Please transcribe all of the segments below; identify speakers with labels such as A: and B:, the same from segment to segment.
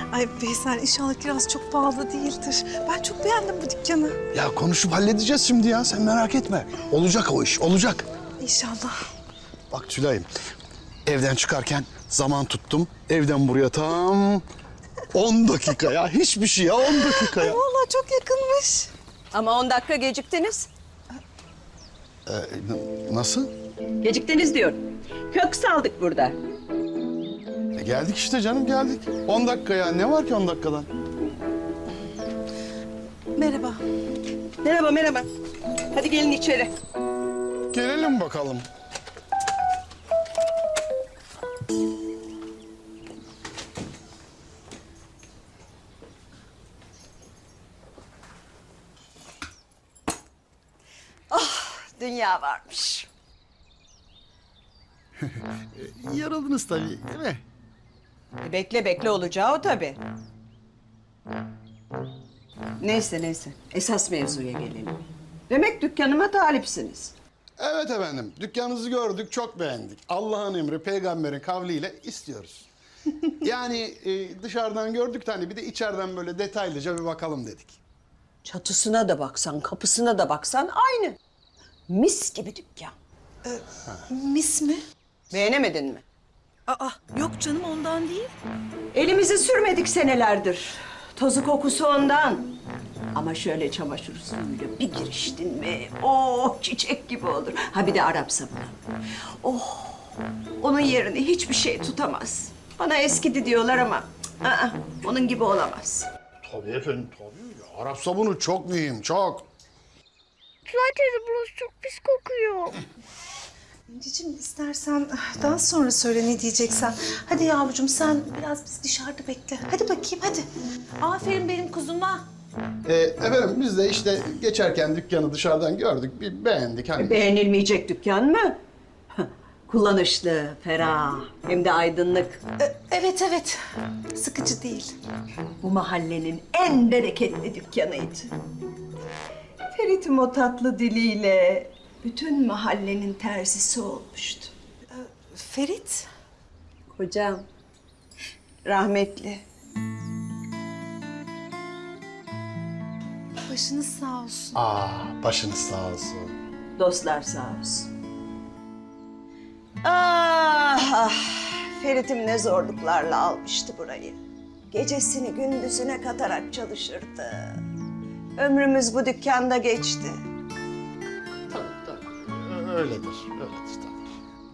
A: Ay Veysel inşallah kiraz çok pahalı değildir. Ben çok beğendim bu dükkanı.
B: Ya konuşup halledeceğiz şimdi ya. Sen merak etme. Olacak o iş, olacak.
A: İnşallah.
B: Bak Tülay'ım, evden çıkarken zaman tuttum. Evden buraya tam 10 dakika ya. Hiçbir şey ya, 10 dakika ya.
A: Vallahi çok yakınmış.
C: Ama 10 dakika geciktiniz.
B: Nasıl?
C: Geciktiniz diyorum. Kök saldık burada.
B: Geldik işte canım, geldik. 10 dakika ya. Ne var ki 10 dakikadan?
A: Merhaba.
C: Merhaba, merhaba. Hadi gelin içeri.
B: Gelelim bakalım.
C: Dünya varmış.
B: Yarıldınız tabii, değil mi?
C: Bekle bekle olacağı o tabii. Neyse neyse. Esas mevzuya gelelim. Demek dükkanıma talipsiniz.
B: Evet efendim. Dükkanınızı gördük, çok beğendik. Allah'ın emri, peygamberin kavliyle istiyoruz. Yani dışarıdan gördük de hani bir de içeriden böyle detaylıca bir bakalım dedik.
C: Çatısına da baksan, kapısına da baksan aynı. Mis gibi dükkan.
A: Mis mi?
C: Beğenemedin mi?
A: Aa yok canım ondan değil.
C: Elimizi sürmedik senelerdir. Tozu kokusu ondan. Ama şöyle çamaşır suyuyla bir giriştin mi, oh çiçek gibi olur. Ha bir de Arap sabunu. Oh, onun yerini hiçbir şey tutamaz. Bana eskidi diyorlar ama onun gibi olamaz.
B: Tabii efendim, tabii. Ya, Arap sabunu çok mühim, çok.
D: Tülay teyze burası çok pis kokuyor.
A: İnci'cim istersen daha sonra söyle ne diyeceksen. Hadi yavrucuğum sen biraz biz dışarıda bekle. Hadi bakayım hadi. Aferin benim kuzuma.
B: Efendim biz de işte geçerken dükkanı dışarıdan gördük, bir beğendik. Hani...
C: Beğenilmeyecek dükkan mı? Kullanışlı, ferah, hem de aydınlık.
A: Evet evet. Sıkıcı değil.
C: Bu mahallenin en bereketli dükkanıydı. Ferit'im o tatlı diliyle bütün mahallenin terzisi olmuştu.
A: Ferit.
C: Kocam, rahmetli.
A: Başınız sağ olsun.
B: Başınız sağ olsun.
C: Dostlar sağ olsun. Ah, Ferit'im ne zorluklarla almıştı burayı. Gecesini gündüzüne katarak çalışırdı. Ömrümüz bu dükkanda geçti.
B: Tabii. Öyledir, tabii.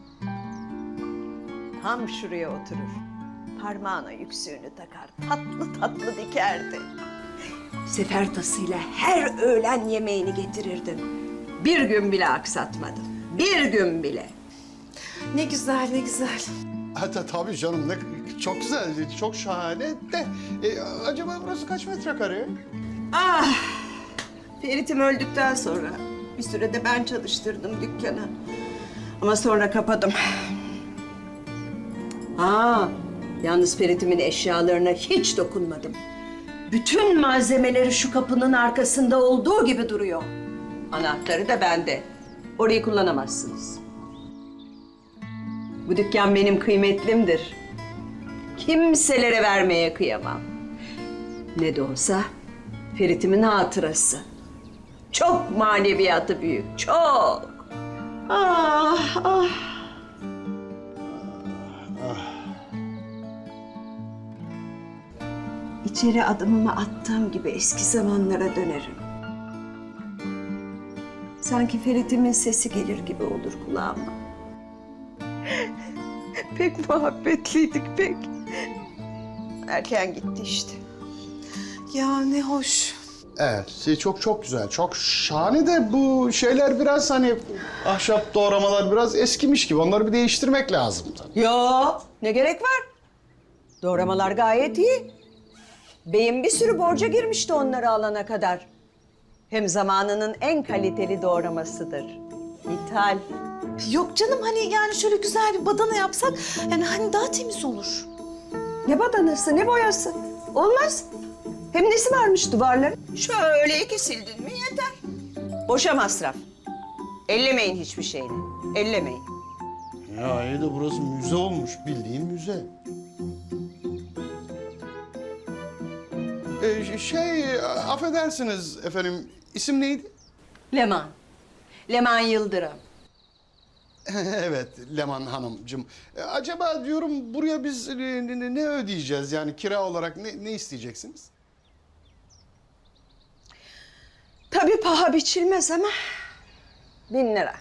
C: Tam şuraya oturur. Parmağına yüksüğünü takar. Tatlı tatlı dikerdi. Sefer tasıyla her öğlen yemeğini getirirdim. Bir gün bile aksatmadım. Bir gün bile.
A: Ne güzel ne güzel.
B: Hatta tabii canım, ne çok güzel, çok şahane de. Acaba burası kaç metrekare?
C: Ah! Ferit'im öldükten sonra bir sürede ben çalıştırdım dükkanı. Ama sonra kapadım. Yalnız Ferit'imin eşyalarına hiç dokunmadım. Bütün malzemeleri şu kapının arkasında olduğu gibi duruyor. Anahtarı da bende. Orayı kullanamazsınız. Bu dükkan benim kıymetlimdir. Kimselere vermeye kıyamam. Ne de olsa Ferit'imin hatırası. Çok maneviyatı büyük, çok. Ah, ah. İçeri adımımı attığım gibi eski zamanlara dönerim. Sanki Ferit'imin sesi gelir gibi olur kulağıma. Pek muhabbetliydik pek. Erken gitti işte.
A: Ya ne hoş.
B: Evet, çok güzel, çok şahane de bu şeyler biraz hani ahşap doğramalar biraz eskimiş gibi. Onları bir değiştirmek lazım tabii.
C: Yo, ne gerek var? Doğramalar gayet iyi. Beyim bir sürü borca girmişti onları alana kadar. Hem zamanının en kaliteli doğramasıdır. İthal.
A: Yok canım hani yani şöyle güzel bir badana yapsak yani hani daha temiz olur.
C: Ne badanası, ne boyası. Olmaz. Hem nesi varmış duvarların? Şöyle iki sildin mi yeter. Boşa masraf. Ellemeyin hiçbir şeyini. Ellemeyin.
B: Ya iyi de burası müze olmuş, bildiğin müze. Affedersiniz efendim, isim neydi?
C: Leman. Leman Yıldırım.
B: Evet, Leman Hanımcığım. Acaba diyorum buraya biz ne ödeyeceğiz? Yani kira olarak ne isteyeceksiniz?
C: Tabii paha biçilmez ama 1.000 lira.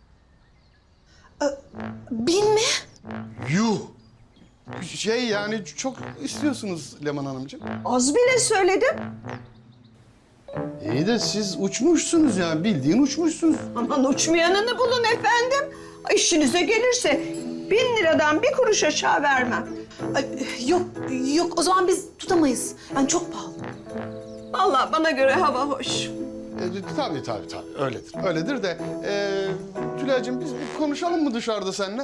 A: 1000 mi?
B: Yuh! Yani çok istiyorsunuz Leman Hanımcığım.
C: Az bile söyledim.
B: İyi de siz uçmuşsunuz yani, bildiğin uçmuşsunuz.
C: Aman uçmayanını bulun efendim. İşinize gelirse 1.000 liradan bir kuruş aşağı vermem.
A: Ay, yok o zaman biz tutamayız. Yani çok pahalı.
C: Vallahi bana göre hava hoş.
B: Tabii, öyledir. Öyledir de Tülay'cığım biz bir konuşalım mı dışarıda seninle?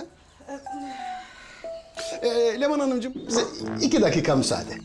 B: Leman Hanımcığım bize 2 dakika müsaade.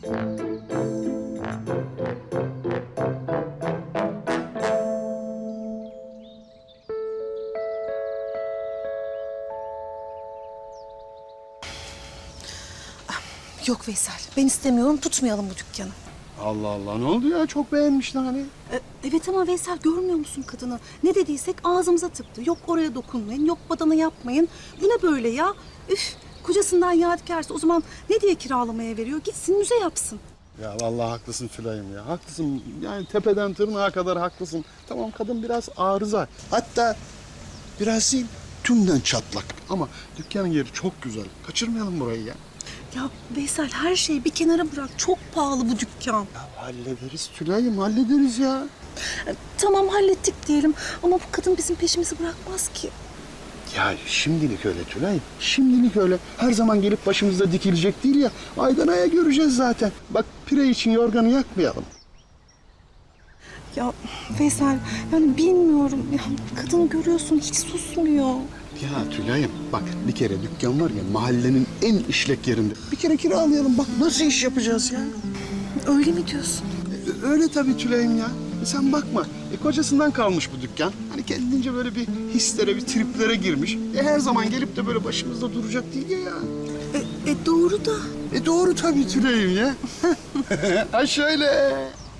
A: Yok Veysel, ben istemiyorum. Tutmayalım bu dükkanı.
B: Allah Allah, ne oldu ya? Çok beğenmişler hani.
A: Evet ama Veysel görmüyor musun kadını? Ne dediysek ağzımıza tıktı. Yok oraya dokunmayın, yok badana yapmayın. Bu ne böyle ya? Üf, kocasından yadigarsa o zaman ne diye kiralamaya veriyor? Gitsin müze yapsın.
B: Ya vallahi haklısın Tülay'ım ya. Haklısın. Yani tepeden tırnağa kadar haklısın. Tamam, kadın biraz arıza. Hatta biraz değil, tümden çatlak. Ama dükkanın yeri çok güzel. Kaçırmayalım burayı ya.
A: Ya Veysel her şeyi bir kenara bırak. Çok pahalı bu dükkan.
B: Hallederiz Tülay'ım, hallederiz ya.
A: Tamam hallettik diyelim ama bu kadın bizim peşimizi bırakmaz ki.
B: Ya şimdilik öyle Tülay. Şimdilik öyle. Her zaman gelip başımızda dikilecek değil ya. Aydan aya göreceğiz zaten. Bak, pire için yorganı yakmayalım.
A: Ya Veysel yani bilmiyorum. Ya, kadını görüyorsun hiç susmuyor.
B: Ya Tülay'ım bak, bir kere dükkan var ya mahallenin en işlek yerinde. Bir kere kiralayalım, bak nasıl iş yapacağız ya.
A: Öyle mi diyorsun?
B: Öyle tabii Tülay'ım ya. Sen bakma, kocasından kalmış bu dükkan. Hani kendince böyle bir hislere, bir triplere girmiş. Her zaman gelip de böyle başımızda duracak değil ya.
A: Doğru da.
B: Doğru tabii Tülay'ım ya. Ha şöyle.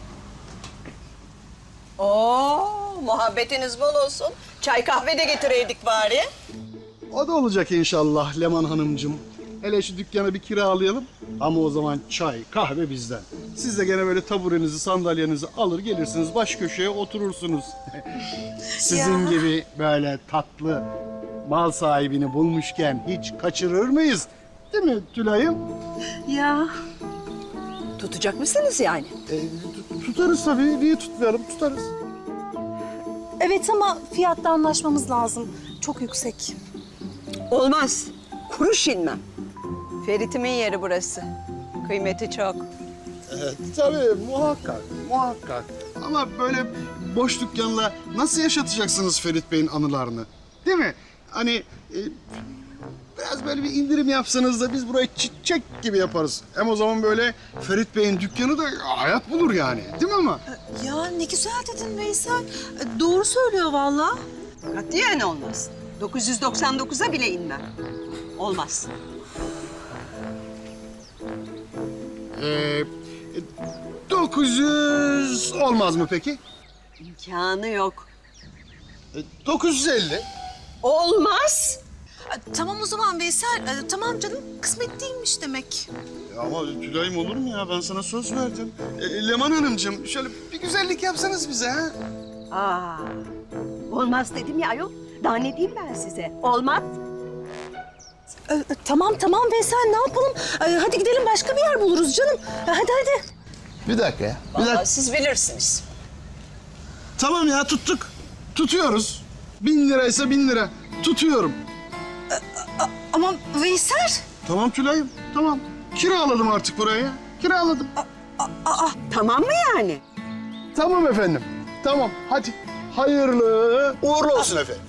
C: Oo, muhabbetiniz bol olsun. Çay kahve de getireydik bari.
B: O da olacak inşallah Leman Hanımcığım. Hele şu dükkanı bir kiralayalım. Ama o zaman çay, kahve bizden. Siz de gene böyle taburenizi, sandalyenizi alır gelirsiniz, baş köşeye oturursunuz. Sizin gibi böyle tatlı mal sahibini bulmuşken hiç kaçırır mıyız? Değil mi Tülay'ım?
A: Ya.
C: Tutacak mısınız yani?
B: Tutarız tabii. Niye tutmayalım? Tutarız.
A: Evet ama fiyatta anlaşmamız lazım. Çok yüksek.
C: Olmaz. Kuruş inmem. Ferit'imin yeri burası. Kıymeti çok.
B: Tabii muhakkak. Ama böyle boş dükkanla nasıl yaşatacaksınız Ferit Bey'in anılarını? Değil mi? Hani biraz böyle bir indirim yapsanız da biz burayı çiçek gibi yaparız. Hem o zaman böyle Ferit Bey'in dükkanı da hayat bulur yani. Değil mi ama?
A: Ya ne güzel dedin Veysel. Doğru söylüyor vallahi.
C: Katiyen olmaz. 999'a bile inmem. Olmaz.
B: 900 olmaz mı peki?
C: İmkanı yok.
B: 950.
C: Olmaz.
A: Tamam o zaman Veysel. Tamam canım kısmet değilmiş demek.
B: Ama Tülay'ım olur mu ya? Ben sana söz verdim. Leman Hanımcığım şöyle bir güzellik yapsanız bize ha?
C: Aa, olmaz dedim ya ayol. Daha ne diyeyim ben size? Olmaz.
A: Tamam Veysel ne yapalım? Hadi gidelim başka bir yer buluruz canım. Hadi.
B: Bir dakika ya.
C: Vallahi siz bilirsiniz.
B: Tamam ya, tuttuk. Tutuyoruz. 1000 liraysa 1000 lira. Tutuyorum.
A: Ama Veysel.
B: Tamam Tülay'ım, tamam. Kiraladım artık burayı. Kiraladım.
C: Tamam mı yani?
B: Tamam efendim. Tamam, hadi. Hayırlı uğurlu olsun efendim.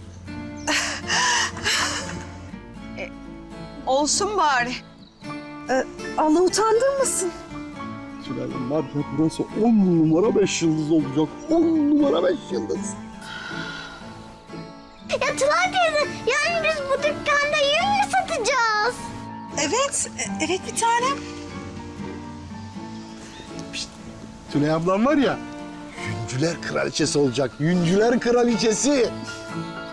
C: Olsun bari.
A: Allah utandırmasın.
B: Tülay'ım var ya, burası 10 numara 5 yıldız olacak. 10 numara 5 yıldız.
D: Ya Tülay teyze yani biz bu dükkanda yün mü satacağız?
A: Evet bir tanem.
B: Tülay ablam var ya, yüncüler kraliçesi olacak. Yüncüler kraliçesi.